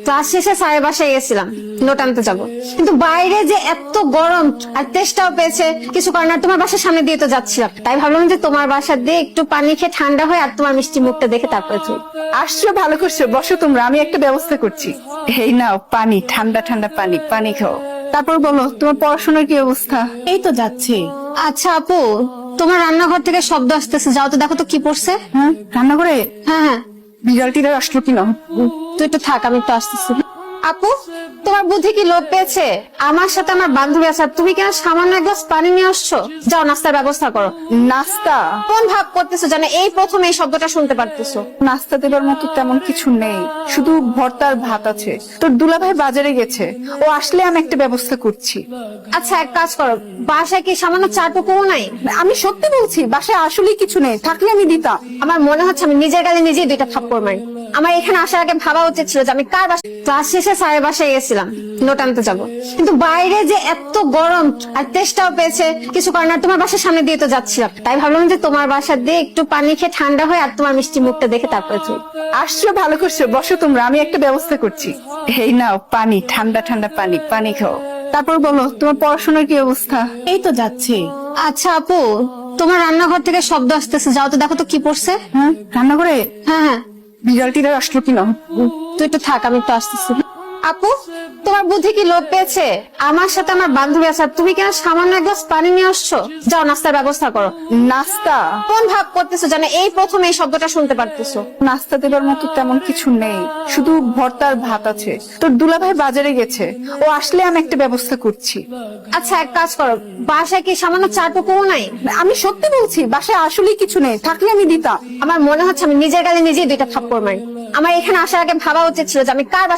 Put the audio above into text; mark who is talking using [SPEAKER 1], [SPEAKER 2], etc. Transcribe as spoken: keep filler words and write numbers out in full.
[SPEAKER 1] Class শেষে স্যারের বাসায় গেছিলাম নোট আনতে যাবো, কিন্তু বাইরে যে এত গরম আর তেষ্টাও পেয়েছে, কিছু কারণ আর তোমার বাসার সামনে দিয়ে তো যাচ্ছিলাম, তাই ভাবলাম যে তোমার বাসা দিয়ে একটু পানি খেয়ে ঠান্ডা হয় আর তোমার মিষ্টি মুখটা দেখে তারপরে তুই
[SPEAKER 2] আসছো, ভালো করছো, বসো তোমরা, আমি একটা ব্যবস্থা করছি। এই নাও পানি, ঠান্ডা ঠান্ডা পানি, পানি খাও। তারপর বলো তোমার পড়াশোনার কি অবস্থা?
[SPEAKER 3] এই তো যাচ্ছে।
[SPEAKER 1] আচ্ছা আপু, তোমার রান্নাঘর থেকে শব্দ আসতেছে, যাও তো দেখো তো কি পড়ছে।
[SPEAKER 2] হ্যাঁ, রান্না করে
[SPEAKER 1] হ্যাঁ হ্যাঁ,
[SPEAKER 2] বিড়ালটিরা আসলো কিনা?
[SPEAKER 1] তুই একটু থাক, আমি একটু আসতেছি। আপু, তোমার বুদ্ধি কি লোপ পেয়েছে? আমার সাথে আমার বান্ধবী আছে, আর তুমি কেন সামান্য এক গ্লাস পানি নিয়ে আসছো? যাও নাস্তার ব্যবস্থা করো।
[SPEAKER 2] নাস্তা?
[SPEAKER 1] কোন ভাব করতেছো জানো, এই প্রথম এই শব্দটা শুনতে পারতেছো।
[SPEAKER 2] নাস্তা দেবার মতো তেমন কিছু নেই, শুধু ভর্তা আর ভাত আছে। তোর দুলাভাই বাজারে গেছে, ও আসলে আমি একটা ব্যবস্থা করছি।
[SPEAKER 1] আচ্ছা এক কাজ করো, বাসায় কি সামান্য চাটুকুও নাই?
[SPEAKER 2] আমি সত্যি বলছি, বাসায় আসলেই কিছু নেই, থাকলে আমি দিতাম।
[SPEAKER 1] আমার মনে হচ্ছে আমি নিজের গালে নিজেই দুইটা থাপ্পড় মারি। আমার এখানে আসার আগে ভাবা উচিত ছিল যে আমি কার বাসায় ক্লাস শেষে স্যারের বাসায় গেছিলাম নোট আনতে যাবো, কিন্তু বাইরে যে এত গরম আর তেষ্টাও পেয়েছে, কিছু কারণ আর তোমার বাসার সামনে দিয়ে তো যাচ্ছিলাম, তাই ভাবলাম যে তোমার বাসা দিয়ে একটু পানি খেয়ে ঠান্ডা হয় আর তোমার মিষ্টি মুখটা দেখে তারপরে তুই
[SPEAKER 2] আসছো, ভালো করছো, বসো তোমরা, আমি একটা ব্যবস্থা করছি। এই নাও পানি, ঠান্ডা ঠান্ডা পানি, পানি খাও। তারপর বলো তোমার পড়াশোনার কি অবস্থা?
[SPEAKER 3] এই তো যাচ্ছে।
[SPEAKER 1] আচ্ছা আপু, তোমার রান্নাঘর থেকে শব্দ আসতেছে, যাও তো দেখো তো কি পড়ছে।
[SPEAKER 2] হ্যাঁ, রান্না করে
[SPEAKER 1] হ্যাঁ হ্যাঁ,
[SPEAKER 2] বিড়ালটিরা আসলো কিনা?
[SPEAKER 1] তুই একটু থাক, আমি একটু আসতেছি। আপু, তোমার বুদ্ধি কি লোপ পেয়েছে? আমার সাথে আমার বান্ধবী আছে, আর তুমি কেন সামান্য এক গ্লাস পানি নিয়ে আসছো? যাও নাস্তার ব্যবস্থা করো।
[SPEAKER 2] নাস্তা?
[SPEAKER 1] কোন ভাব করতেছো জানো, এই প্রথম এই শব্দটা শুনতে পারতেছো।
[SPEAKER 2] নাস্তা দেবার মতো তেমন কিছু নেই, শুধু ভর্তা আর ভাত আছে। তোর দুলাভাই বাজারে গেছে, ও আসলে আমি একটা ব্যবস্থা করছি।
[SPEAKER 1] আচ্ছা এক কাজ করো, বাসায় কি সামান্য চাটুকুও নাই?
[SPEAKER 2] আমি সত্যি বলছি, বাসায় আসলেই কিছু নেই, থাকলে আমি দিতাম।
[SPEAKER 1] আমার মনে হচ্ছে আমি নিজের গালে নিজেই দুইটা থাপ্পড় মারি। আমার এখানে আসার আগে ভাবা উচিত ছিল যে আমি কার বাসায়